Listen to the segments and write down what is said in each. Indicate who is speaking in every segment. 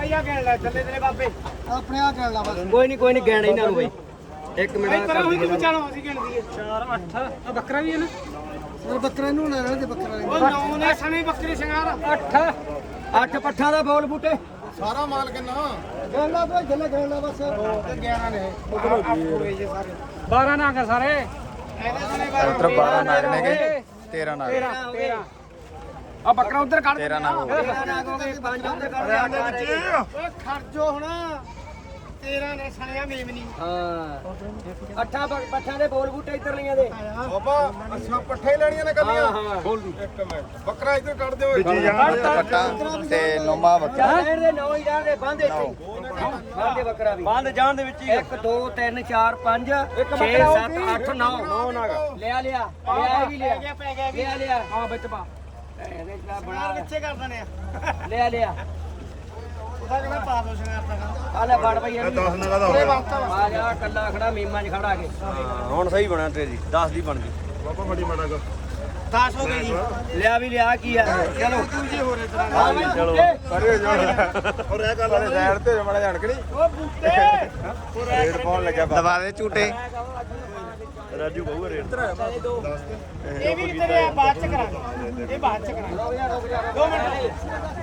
Speaker 1: ਬਾਈ ਆ ਕਹਿਣ ਲੈ ਚੱਲੇ ਤੇਰੇ ਬਾਬੇ
Speaker 2: ਆਪਣੇ ਆ ਕਹਿ ਲਾ ਬਸ
Speaker 3: ਕੋਈ ਨਹੀਂ ਗੈਣ ਇਹਨਾਂ ਨੂੰ ਬਈ 1 ਮਿੰਟ
Speaker 1: ਕਰ ਹੋਈ ਤੂੰ ਚਾਲੋ ਅਸੀਂ ਗਿਣਦੀ 4 8 ਆ ਬੱਕਰਾ ਵੀ ਹੈ ਨਾ
Speaker 2: ਉਹ ਬੱਕਰੇ ਨੂੰ ਲੈ ਲੈ ਬੱਕਰਾ
Speaker 1: ਉਹ 9 ਨੇ ਸਣੇ ਬੱਕਰੀ ਸ਼ਿੰਗਾਰ
Speaker 3: 8 ਪੱਠਾਂ ਦਾ ਬੋਲ ਬੂਟੇ
Speaker 2: ਸਾਰਾ ਮਾਲ ਕਿੰਨਾ ਕਹਿ ਲਾ ਭਾਈ ਜੱਲੇ ਕਹਿ ਲਾ ਬਸ
Speaker 1: 11 ਨੇ ਪੂਰੇ ਜੇ ਸਾਰੇ 12 ਨਾ ਕਰ ਸਾਰੇ ਇਹਦੇ ਸਣੇ
Speaker 4: 12 ਨਾਗ ਨੇ ਗਏ 13 ਨਾਗ
Speaker 1: 13 ਆ ਬੱਕਰਾ ਉਧਰ ਕੱਢ
Speaker 4: 13 ਨਾਗ ਹੋ ਗਏ
Speaker 3: 5 ਉੱਤੇ ਕੱਢ
Speaker 1: ਓਏ ਖਰਜੋ ਹੁਣ 13 ਨੇ ਸਣਿਆ ਮੇਮਨੀ
Speaker 3: ਹਾਂ 8 ਪੱਠਾਂ ਦੇ ਬੋਲ ਬੂਟੇ ਇੱਧਰ ਲਈਆਂ ਦੇ
Speaker 2: ਬਾਬਾ ਅੱਛਾ ਪੱਠੇ ਲੈਣੀਆਂ ਨੇ ਕੱਲੀਆਂ
Speaker 3: ਹਾਂ ਬੋਲ ਦੂ
Speaker 2: ਇੱਕ ਮਿੰਟ ਬੱਕਰਾ ਇੱਧਰ ਕੱਢ ਦਿਓ
Speaker 4: ਪੱਟਾ ਤੇ ਨੋਮਾ ਬੱਕਰਾ
Speaker 3: ਸ਼ਹਿਰ ਦੇ 9 ਹੀ ਜਾਣ ਦੇ ਬੰਦ ਇੱਥੇ ਬੰਦੇ ਬੱਕਰਾ ਵੀ ਬੰਦ ਜਾਣ ਦੇ ਵਿੱਚ 1 2 3 4 5 6 7 8 9 ਲਿਆ ਵੀ ਲਿਆ
Speaker 1: ਹਾਂ ਵਿੱਚ ਪਾ
Speaker 3: ਇਹਦੇ ਚ
Speaker 1: ਨਾਲ
Speaker 3: ਬਣਾ
Speaker 1: ਵਿੱਚੇ ਕਰ ਦਨੇ ਆ
Speaker 3: ਲਿਆ
Speaker 1: ਉਹਦਾ ਕਹਿੰਦਾ ਪਾ ਦੋ ਸ਼ਿੰਗਾਰ ਦਾ
Speaker 3: ਆ ਲੈ ਫੜ ਪਈ ਇਹਨੂੰ
Speaker 2: 10 ਨਗਾ ਦਾ
Speaker 1: ਉਹਦੇ ਵਾਸਤਾ
Speaker 3: ਆ ਜਾ ਕੱਲਾ ਖੜਾ ਮੀਮਾਂ 'ਚ ਖੜਾ ਕੇ
Speaker 4: ਹੁਣ ਸਹੀ ਬਣਾ ਤੇਰੀ 10 ਦੀ ਬਣ ਗਈ
Speaker 2: ਬਾਬਾ ਬੜੀ ਮਾੜਾ ਕਰ
Speaker 1: 10 ਹੋ ਗਈ ਜੀ
Speaker 3: ਲਿਆ ਕੀ ਆ ਚਲੋ
Speaker 1: ਜੀ ਹੋ ਰਹੇ ਤਰ੍ਹਾਂ
Speaker 3: ਹਾਂ ਬਈ ਚਲੋ
Speaker 2: ਕਰੇ ਜੋੜ ਔਰ ਇਹ ਗੱਲ ਸਾਈਡ ਤੇ ਮਾੜਾ ਜਾਣ ਕੇ ਨਹੀਂ
Speaker 1: ਉਹ ਬੂਟੇ
Speaker 4: ਰੇਡ ਪਾਉਣ ਲੱਗਿਆ ਦਬਾ ਦੇ ਝੂਟੇ ਰਾਜੂ ਬਹੁ ਰੇਡ
Speaker 1: ਇਹ ਵੀ ਤੇਰੇ ਬਾਅਦ ਚ ਕਰਾਂਗੇ ਇਹ ਬਾਅਦ ਚ ਕਰਾਂਗੇ 2 ਮਿੰਟ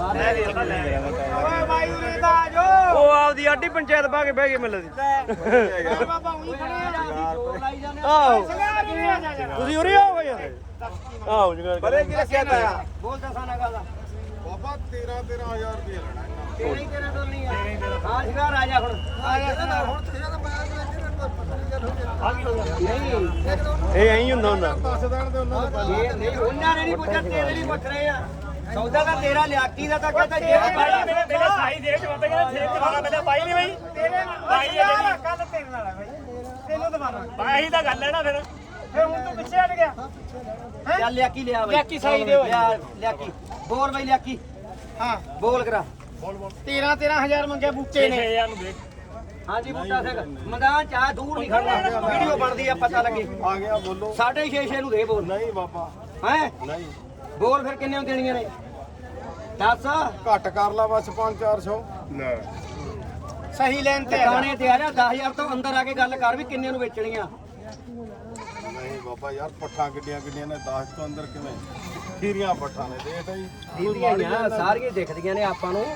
Speaker 1: ਓਏ ਬਾਈ ਉਰੇ ਦਾ ਆ ਜਾਓ
Speaker 3: ਉਹ ਆਪਦੀ ਆਡੀ ਪੰਚਾਇਤ ਪਾ ਕੇ ਬਹਿ ਗਏ ਮਿਲਦੀ
Speaker 1: ਓਏ ਬਾਬਾ ਉਹੀ ਖੜੇ ਆ
Speaker 3: ਆਹੋ
Speaker 1: ਸ਼ਿੰਗਾਰ ਉਰੇ ਆ ਜਾ ਜਰਾ
Speaker 3: ਤੁਸੀਂ ਉਰੇ ਆਓ ਬਈ ਆਹੋ ਜਗਾ
Speaker 2: ਬਰੇ ਕੀ ਰੱਖਿਆ ਤਾ
Speaker 3: ਬੋਲ ਦਸਾਂ ਗੱਲ
Speaker 2: ਬਾਬਾ 13000 ਰੁਪਏ ਲੈਣਾ
Speaker 3: ਤੇਰੀ ਤੇਰਾ ਤੋਂ ਨਹੀਂ ਆ ਹਾਂ ਸ਼ਿਕਾਰ ਆ ਜਾ ਹੁਣ
Speaker 2: ਹੁਣ ਤੇਰਾ ਤਾਂ ਮੈਂ
Speaker 3: ਨਹੀਂ
Speaker 4: ਇਹ ਐਂ ਹੁੰਦਾ
Speaker 2: ਦੱਸ ਦੇਣ ਦੇ ਉਹਨਾਂ ਨੂੰ
Speaker 3: ਇਹ ਨਹੀਂ ਉਹਨਾਂ ਨੇ ਨਹੀਂ ਪੁੱਛਿਆ ਤੇਰੇ ਨਹੀਂ ਪੁੱਛ ਰਹੇ ਆ ਸੌਦਾ ਤਾਂ ਤੇਰਾ ਲਿਆਕੀ ਦਾ ਤਾਂ ਕਹਿੰਦਾ ਜੇ
Speaker 1: ਮੇਰੇ ਸਾਈ ਦੇ ਚ ਬੰਦੇ ਕਹਿੰਦੇ ਸੇਬ ਦਵਾਣਾ ਪਹਿਲਾਂ ਪਾਈ ਨਹੀਂ ਬਈ ਤੇਰੇ ਨਾਲ ਯਾਰ ਕੱਲ ਤੇਰੇ ਨਾਲ ਆ ਬਈ ਤੈਨੂੰ ਦਵਾਣਾ
Speaker 5: ਇਹੀ ਤਾਂ ਗੱਲ ਹੈ ਨਾ ਫਿਰ
Speaker 1: ਫੇ ਹੁਣ ਤੂੰ ਪਿੱਛੇ ਹਟ ਗਿਆ
Speaker 3: ਚੱਲ ਲਿਆਕੀ ਲਿਆ ਬਈ
Speaker 1: ਲਿਆਕੀ ਸਹੀ ਦੇ ਓਏ।
Speaker 3: ਲਿਆਕੀ ਬੋਲ ਬਈ ਲਿਆਕੀ
Speaker 1: ਹਾਂ
Speaker 3: ਬੋਲ ਕਰਾ
Speaker 1: 13000 ਮੰਗਿਆ ਬੂਟੇ ਨੇ
Speaker 5: 6000 ਨੂੰ ਦੇ
Speaker 3: ਹਾਂਜੀ ਬੂਟਾ ਸਿੰਘ ਮੈਦਾਨ ਚਾਹ ਦੂਰ ਨਹੀਂ ਖੜਨਾ ਵੀਡੀਓ ਬਣਦੀ ਆ ਪਤਾ ਲੱਗੇ
Speaker 2: ਆ ਗਿਆ ਬੋਲੋ
Speaker 3: 6.5 ਨੂੰ ਦੇ ਬੋਲ
Speaker 2: ਨਹੀਂ ਬਾਬਾ
Speaker 3: ਹੈ
Speaker 2: ਨਹੀਂ
Speaker 3: ਬੋਲ ਫਿਰ ਕਿੰਨੇ ਦੇਣੀਆਂ ਨੇ 10
Speaker 2: ਘੱਟ ਕਰ ਲਾ ਬਸ 5-400 ਲੈ
Speaker 1: ਸਹੀ ਲੈਣ ਤੇ ਆ
Speaker 3: ਟਿਕਾਣੇ ਤੇ ਆ ਜਾ 10000 ਤੋਂ ਅੰਦਰ ਆ ਕੇ ਗੱਲ ਕਰ ਵੀ ਕਿੰਨੇ ਨੂੰ ਵੇਚਣੀਆਂ
Speaker 2: ਨਹੀਂ ਬਾਬਾ ਯਾਰ ਪੱਠਾਂ ਕਿੱਡੀਆਂ ਨੇ 10 ਤੋਂ ਅੰਦਰ ਕਿਵੇਂ ਖੀਰੀਆਂ ਪੱਠਾਂ ਨੇ ਦੇਖ ਜੀ
Speaker 3: ਦੀਦੀਆਂ ਸਾਰੀਆਂ ਦਿਖਦੀਆਂ ਨੇ ਆਪਾਂ ਨੂੰ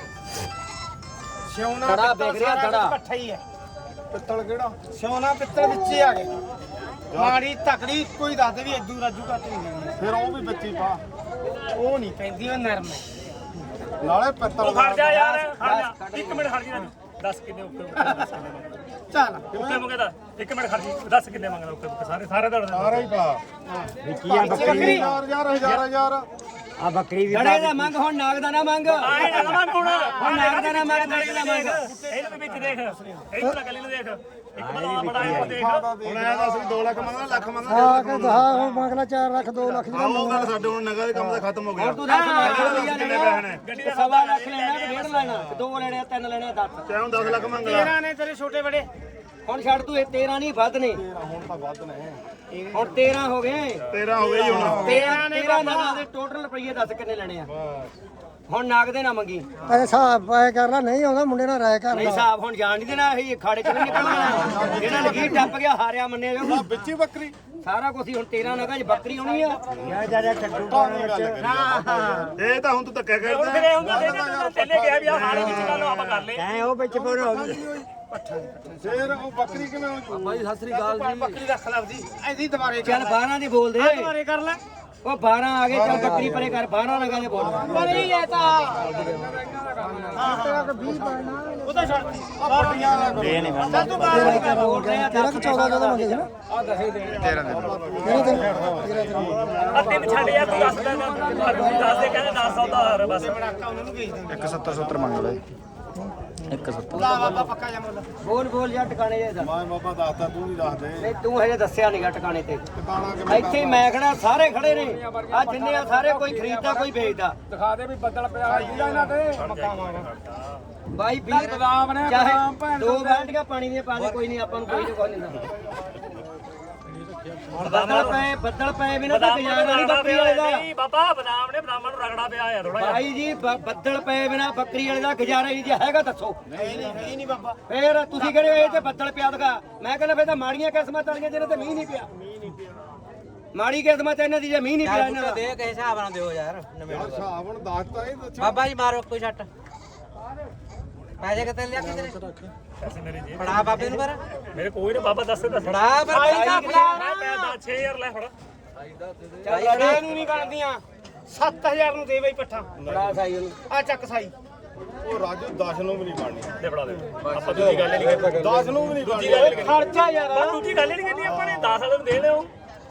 Speaker 1: ਸਿਉਣਾ
Speaker 3: ਧੜਾ
Speaker 1: ਪਿੱਤਲ
Speaker 3: ਵਿਕ ਰਿਹਾ,
Speaker 1: ਸਾਰਾ
Speaker 3: ਧੜਾ।
Speaker 1: ਕੁਛ ਇਕੱਠਾ ਹੀ ਹੈ
Speaker 2: ਪਿੱਤਲ ਕਿਹੜਾ
Speaker 1: ਸਿਉਣਾ ਪਿੱਤਲ ਵਿੱਚ ਹੀ ਆ ਗਏ ਮਾੜੀ ਤਕੜੀ ਕੋਈ ਦੱਸ ਦੇ ਵੀ ਇਦੂ ਰਾਜੂ ਘੱਟ ਨਹੀਂ ਲੈਣੀ
Speaker 2: ਫਿਰ ਉਹ ਵੀ ਬੱਚੀ ਪਾ
Speaker 1: ਉਹ ਨਹੀਂ ਪੈਂਦੀ ਉਹ ਨਰਮ ਹੈ
Speaker 2: ਨਾਲੇ ਪਿੱਤਲ
Speaker 5: ਉਹ ਖੜ ਜਾ ਯਾਰ ਖੜ ਜਾ 1 ਮਿੰਟ ਖੜ ਜਾ ਦੱਸ ਕਿੰਨੇ
Speaker 1: ਚੱਲ
Speaker 5: ਉੱਤੇ ਮੰਗੇ ਦਾ 1 ਮਿੰਟ ਖੜ ਜੀ ਦੱਸ ਕਿੰਨੇ ਮੰਗਦਾ ਉੱਤੇ ਸਾਰੇ ਦਾ
Speaker 2: ਸਾਰਾ ਹੀ ਪਾ
Speaker 1: ਬੱਕਰੀ
Speaker 2: ਹਜ਼ਾਰ
Speaker 3: ਆ ਬੱਕਰੀ ਵੀ ਗੜੇ ਦਾ ਮੰਗ ਹੁਣ ਨਾਗ ਦਾ ਨਾ ਮੰਗ
Speaker 5: ਆਏ ਨਾ ਮੰਗ ਹੁਣ
Speaker 3: ਨਾਗ ਦਾ ਨਾ ਮੰਗ ਗੜੇ ਦਾ ਮੰਗ
Speaker 5: ਇਹਨੂੰ ਵੀ ਵਿੱਚ ਦੇਖ ਇਹਨੂੰ ਨਾ ਗੱਲੀ ਨੂੰ ਦੇਖ ਇੱਕ ਬੜਾ ਬੜਾ ਇਹ ਦੇਖ
Speaker 2: ਹੁਣ ਇਹ ਦੱਸ ਵੀ 2 ਲੱਖ ਮੰਗਣਾ ਲੱਖ ਮੰਗਣਾ
Speaker 4: ਹਾਂ ਕਿ ਹਾਂ ਮੰਗ ਲਾ 4 ਲੱਖ 2 ਲੱਖ
Speaker 2: ਉਹ ਗੱਲ ਸਾਡੇ ਹੁਣ ਨਗਾ ਦੇ ਕੰਮ ਦਾ ਖਤਮ ਹੋ ਗਿਆ
Speaker 3: ਹੁਣ ਤੂੰ ਦੱਸ ਲੱਖ ਰੁਪਈਆ ਲੈਣਾ ਗੱਡੀ ਦਾ ਸਵਾ ਲੱਖ ਲੈਣਾ ਕਿ 1.5 ਲੈਣਾ 2 ਲੈਣੇ 3 ਲੈਣੇ 10
Speaker 2: ਚਾਹੇ ਹੁਣ 10 ਲੱਖ ਮੰਗ ਲਾ
Speaker 1: 13 ਨੇ ਤੇਰੇ ਛੋਟੇ ਬੜੇ
Speaker 3: ਹੁਣ ਛੱਡ ਤੂੰ ਇਹ 13 ਨਹੀਂ ਵੱਧ ਨੇ
Speaker 2: ਹੁਣ ਤਾਂ ਵੱਧ ਨੇ
Speaker 3: ਹੁਣ 13 ਹੋ ਗਏ
Speaker 2: 13 ਹੋ ਗਈ ਹੁਣ
Speaker 3: 13 ਨਾਗ ਦੇ ਟੋਟਲ ਰੁਪਈਏ ਦੱਸ ਕਿੰਨੇ ਲੈਣੇ ਆ ਹੁਣ ਨਾਗ ਦੇ ਨਾ ਮੰਗੀ
Speaker 4: ਹਿਸਾਬ ਐ ਕਰ ਲੈ ਨਹੀਂ ਆਉਂਦਾ ਮੁੰਡੇ ਨਾਲ ਰਾਇ ਕਰ
Speaker 3: ਨਹੀਂ ਹਿਸਾਬ ਹੁਣ ਜਾਣ ਨਹੀਂ ਦੇਣਾ ਇਹ ਖਾੜੇ ਚ ਨਹੀਂ ਨਿਕਲਣਾ ਜਿਹੜਾ ਲਗੀਰ ਟੱਪ ਗਿਆ ਹਾਰਿਆ ਮੰਨਿਆ ਜਾਊ
Speaker 2: ਵਿੱਚੀ ਬੱਕਰੀ
Speaker 3: ਸਾਰਾ ਕੁਝ ਹੁਣ 13 ਨਗਾਂ 'ਚ ਬੱਕਰੀ ਆਉਣੀ ਆ
Speaker 2: ਇਹ ਤਾਂ ਹੁਣ ਤੂੰ ਧੱਕਾ
Speaker 5: ਹੁਣ
Speaker 2: ਕਰਦਾ
Speaker 5: ਫਿਰ ਇਹ ਹੁੰਦਾ ਤੈਨੇ ਕਿਹਾ ਵੀ ਆ ਹਾਲੇ ਵਿੱਚ ਗੱਲ ਆਪਾਂ ਕਰ ਲੈ
Speaker 3: ਐ ਉਹ ਵਿੱਚ ਪੂਰ ਹੋ ਗਈ
Speaker 2: ਫੇਰ ਉਹ ਬੱਕਰੀ ਕਿਵੇਂ ਹੋ
Speaker 3: ਬਾਈ ਸਤਿ ਸ੍ਰੀ ਅਕਾਲ ਜੀ
Speaker 1: ਬੱਕਰੀ ਰੱਖ ਲੈ ਆਪਦੀ ਐਦੀ ਦੁਬਾਰੇ
Speaker 3: ਚੱਲ 12 ਦੀ ਬੋਲ ਦੇ
Speaker 1: ਦੁਬਾਰੇ ਕਰ ਲੈ
Speaker 3: ਉਹ 12 ਆ ਗਏ ਚੱਲ ਬੱਕਰੀ ਪਰੇ ਕਰ 12 ਨਗਾਂ ਦੇ ਬੋਲ
Speaker 1: ਪਰ ਹੀ ਹੈ ਤਾਂ ਉਹ ਤਾਂ ਛੱਡ
Speaker 2: ਇਹ ਨਹੀਂ
Speaker 1: ਚੱਲ ਤੂੰ ਬਾਹਰ
Speaker 3: ਬੋਲ ਰਿਹਾ
Speaker 4: 14 ਮੰਗੇ ਸੀ ਨਾ
Speaker 3: ਆ ਦਸੇ ਦੇ
Speaker 4: 13
Speaker 5: ਆ ਤਿੰਨ ਛੱਡ ਯਾਰ ਤੂੰ ਦੱਸ ਦੇ ਦੱਸ ਦੇ ਕਹਿੰਦੇ 10 ਸੌਦਾ ਹੋਰ ਬਸ
Speaker 1: ਬੜਾਕਾ ਉਹਨਾਂ ਨੂੰ ਭੇਜ ਦੇ
Speaker 4: 170 ਮੰਗ ਲੈ 170
Speaker 1: ਲਾ ਬਾਬਾ ਪੱਕਾ ਜਾ ਮੁੱਲ
Speaker 3: ਬੋਲ ਜਾਂ ਟਿਕਾਣੇ ਜੇ
Speaker 2: ਮੈਂ ਬਾਬਾ ਦੱਸਦਾ ਤੂੰ ਨਹੀਂ ਦੱਸ ਦੇ
Speaker 3: ਨਹੀਂ ਤੂੰ ਹਜੇ ਦੱਸਿਆ ਨਹੀਂਗਾ ਟਿਕਾਣੇ ਤੇ
Speaker 2: ਟਿਕਾਣਾ ਕਿਵੇਂ
Speaker 3: ਇੱਥੇ ਹੀ ਮੈਂ ਖੜਾ ਸਾਰੇ ਖੜੇ ਨੇ ਆ ਜਿੰਨੇ ਆ ਸਾਰੇ ਕੋਈ ਖਰੀਦਦਾ ਕੋਈ ਵੇਚਦਾ
Speaker 1: ਦਿਖਾ ਦੇ ਵੀ ਬੱਦਲ ਪਿਆ ਜੀਦਾ ਇਹਨਾਂ ਤੇ
Speaker 3: ਬਾਈ 20
Speaker 1: ਬਦਾਮ ਨੇ
Speaker 3: ਚਾਹੇ
Speaker 1: ਬਦਾਮ ਭੈਣ
Speaker 3: 2 ਬਾਲਟੀਆਂ ਪਾਣੀ ਦੀਆਂ ਪਾ ਦੇ ਕੋਈ ਨਹੀਂ ਆਪਾਂ ਨੂੰ ਕੋਈ ਨਹੀਂ ਕੋਈ ਨਹੀਂ ਬੱਦਲ ਪਏ ਬਿਨਾਂ ਤਾਂ ਗੁਜ਼ਾਰਾ ਨਹੀਂ ਬੱਕਰੀ ਵਾਲੇ ਦਾ।
Speaker 5: ਨਹੀਂ ਬਾਬਾ ਬਦਾਮ ਨੇ ਬਦਾਮਾਂ ਨੂੰ ਰਗੜਾ ਪਿਆ ਆ ਥੋੜਾ ਜਿਹਾ।
Speaker 3: ਭਾਈ ਜੀ ਬੱਦਲ ਪਏ ਬਿਨਾਂ ਬੱਕਰੀ ਵਾਲੇ ਦਾ ਗੁਜ਼ਾਰਾ ਹੀ ਜੀ ਹੈਗਾ ਦੱਸੋ।
Speaker 1: ਨਹੀਂ ਬਾਬਾ
Speaker 3: ਫੇਰ ਤੁਸੀਂ ਕਹਿੰਦੇ ਇਹ ਤੇ ਬੱਦਲ ਪਿਆ ਦਗਾ, ਮੈਂ ਕਹਿੰਦਾ ਫੇਰ ਤਾਂ ਮਾੜੀਆਂ ਕਿਸਮਤ ਵਾਲੀਆਂ ਜਿਹਨਾਂ ਤੇ ਮੀਂਹ ਨਹੀਂ ਪਿਆ। ਮਾੜੀ ਕਿਸਮਤ ਇਹਨਾਂ ਦੀ ਜੇ ਮੀਂਹ ਨਹੀਂ ਪਿਆ ਇਹਨਾਂ ਦਾ।
Speaker 6: ਦੇ ਕਿਸੇ ਹਿਸਾਬ ਨਾਲ ਦਿਓ ਯਾਰ
Speaker 2: ਯਾਰ ਹਿਸਾਬ ਹੁਣ ਦੱਸਤਾ ਹੀ ਦੱਸੋ
Speaker 6: ਬਾਬਾ ਜੀ ਮਾਰੋ ਕੋਈ ਛੱਟ ਪੈਸੇ ਕਿੱਥੇ ਲਿਆ ਕਿਤੇ
Speaker 5: ਪੈਸੇ ਮੇਰੇ ਜੀ
Speaker 6: ਫੜਾ ਬਾਬੇ ਨੂੰ ਪਰ
Speaker 5: ਮੇਰੇ ਕੋਈ ਨਾ ਬਾਬਾ ਦੱਸ ਦੱਸ
Speaker 6: ਫੜਾ ਪਰ ਪੈਸਾ ਫੜਾ
Speaker 5: ਮੈਂ ਪੈ 6000 ਲੈ ਫੜਾ
Speaker 1: ਚੱਲ ਲੜਾ ਨੂੰ ਨਹੀਂ ਬਣਦੀਆਂ 7000 ਨੂੰ ਦੇ ਬਈ ਪੱਠਾ
Speaker 3: ਬੜਾ ਸਾਈ ਉਹਨੂੰ
Speaker 1: ਆ ਚੱਕ ਸਾਈ
Speaker 2: ਉਹ ਰਾਜੂ 10 ਨੂੰ ਵੀ ਨਹੀਂ ਬਣਨੀ
Speaker 5: ਦੇ ਫੜਾ ਦੇ ਆਪਾਂ ਦੂਜੀ ਗੱਲ ਨਹੀਂ ਕਰਨੀ
Speaker 2: 10 ਨੂੰ ਵੀ ਨਹੀਂ ਬਣਨੀ
Speaker 1: ਖਰਚਾ ਯਾਰ
Speaker 5: ਬਸ ਦੂਜੀ ਗੱਲ ਨਹੀਂ ਕਰਨੀ ਆਪਾਂ ਨੇ 10 ਵਾਲੇ ਨੂੰ ਦੇ ਲਿਓ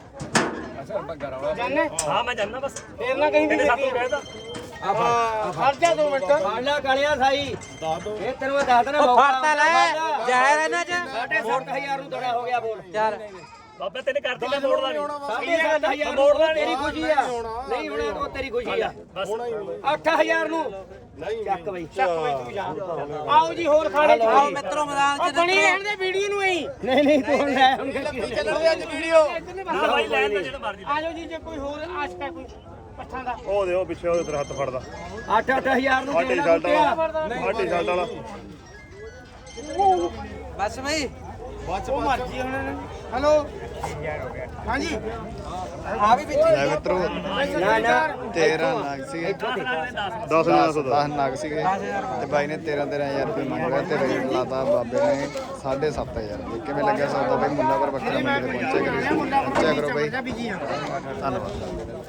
Speaker 1: ਜਾਨੇ
Speaker 5: ਹਾਂ ਮੈਂ ਜਾਣਦਾ ਬਸ
Speaker 1: ਫੇਰ ਨਾ ਕਹੀਂ ਵੀ
Speaker 5: ਤੇਰੇ ਸਾਥੋਂ
Speaker 1: ਦੇਖੀ
Speaker 5: ਕਹਿਦਾ
Speaker 1: ਖਰਚਾ 2 ਮਿੰਟ
Speaker 3: ਬਾਲਾ ਕਾਲਿਆ ਸਾਈ ਇਹ ਤੈਨੂੰ ਮੈਂ ਦੱਸ ਦੇਣਾ
Speaker 6: ਫੜਤਾ ਲੈ ਜ਼ਹਿਰ ਇਹਨਾਂ ਚ
Speaker 3: 7,500 ਨੂੰ ਦੜਾ ਹੋ ਗਿਆ ਬੋਲ
Speaker 6: ਚੱਲ
Speaker 5: ਬਾਬੇ ਤੈਨੇ ਕਰਦੀ ਮੈਂ ਮੋੜਦਾ ਨਹੀਂ
Speaker 3: 7,500 ਮੋੜਦਾ ਤੇਰੀ ਖੁਸ਼ੀ ਆ ਨਹੀਂ ਹੋਣਾ ਉਹ ਤੇਰੀ ਖੁਸ਼ੀ ਆ
Speaker 5: ਬਸ
Speaker 3: 8,000 ਨੂੰ
Speaker 2: ਨਹੀਂ
Speaker 3: ਚੱਕ ਬਈ
Speaker 1: ਚੱਕ ਬਈ ਤੂੰ ਜਾ ਆਓ ਜੀ ਹੋਰ ਖਾਣੇ ਚ
Speaker 6: ਆਓ ਮਿੱਤਰੋ ਮੈਦਾਨ
Speaker 1: ਉਹ ਬਣੀ ਰਹਿਣ ਦੇ ਵੀਡੀਓ ਨੂੰ ਐਂ
Speaker 3: ਨਹੀਂ ਨਹੀਂ ਤੂੰ ਲੈ ਹੁਣ
Speaker 1: ਚੱਲਦੇ ਅੱਜ ਵੀਡੀਓ
Speaker 5: ਨਾ ਭਾਈ ਲੈਣ ਦਾ ਜਿਹੜਾ ਮਰਜ਼ੀ
Speaker 1: ਆਜੋ ਜੀ ਜੇ ਕੋਈ ਹੋਰ ਆਸ਼ਕ ਹੈ ਕੋਈ ਪੱਠਾਂ ਦਾ
Speaker 2: ਉਹ ਦੇ ਉਹ ਪਿੱਛੇ ਉਹਦੇ ਤੇਰਾ ਹੱਥ ਫੜਦਾ
Speaker 3: 8,000 ਨੂੰ
Speaker 2: ਆਟੇ ਸ਼ਰਟ ਵਾਲਾ ਆਟੇ ਸ਼ਰਟ ਵਾਲਾ
Speaker 6: ਬਸ ਬਈ
Speaker 1: ਉਹ ਮਰਜੀ ਉਹਨਾਂ ਨੇ ਹੈਲੋ ਹਾਂਜੀ
Speaker 6: ਆ ਵੀ ਵਿੱਚ
Speaker 4: ਲੈ ਮਿੱਤਰੋ
Speaker 3: ਨਾ ਨਾ
Speaker 4: 13 ਨਗ ਸੀਗੇ 10 ਨਗ ਸੀਗੇ ਤੇ ਬਾਈ ਨੇ 13,000 ਰੁਪਏ ਮੰਗ ਲਿਆ ਤੇ ਰੇਟ ਲਾਤਾ ਬਾਬੇ ਨੇ 7,500 ਕਿਵੇਂ ਲੱਗਿਆ ਸੌਦਾ ਬਾਈ ਮੁੱਲਾਪੁਰ ਬੱਕਰਾ ਮੰਡੀ ਤੇ ਪਹੁੰਚਿਆ ਕਰੋ ਬਾਈ
Speaker 1: ਬੀਜੀ ਆ
Speaker 4: ਧੰਨਵਾਦ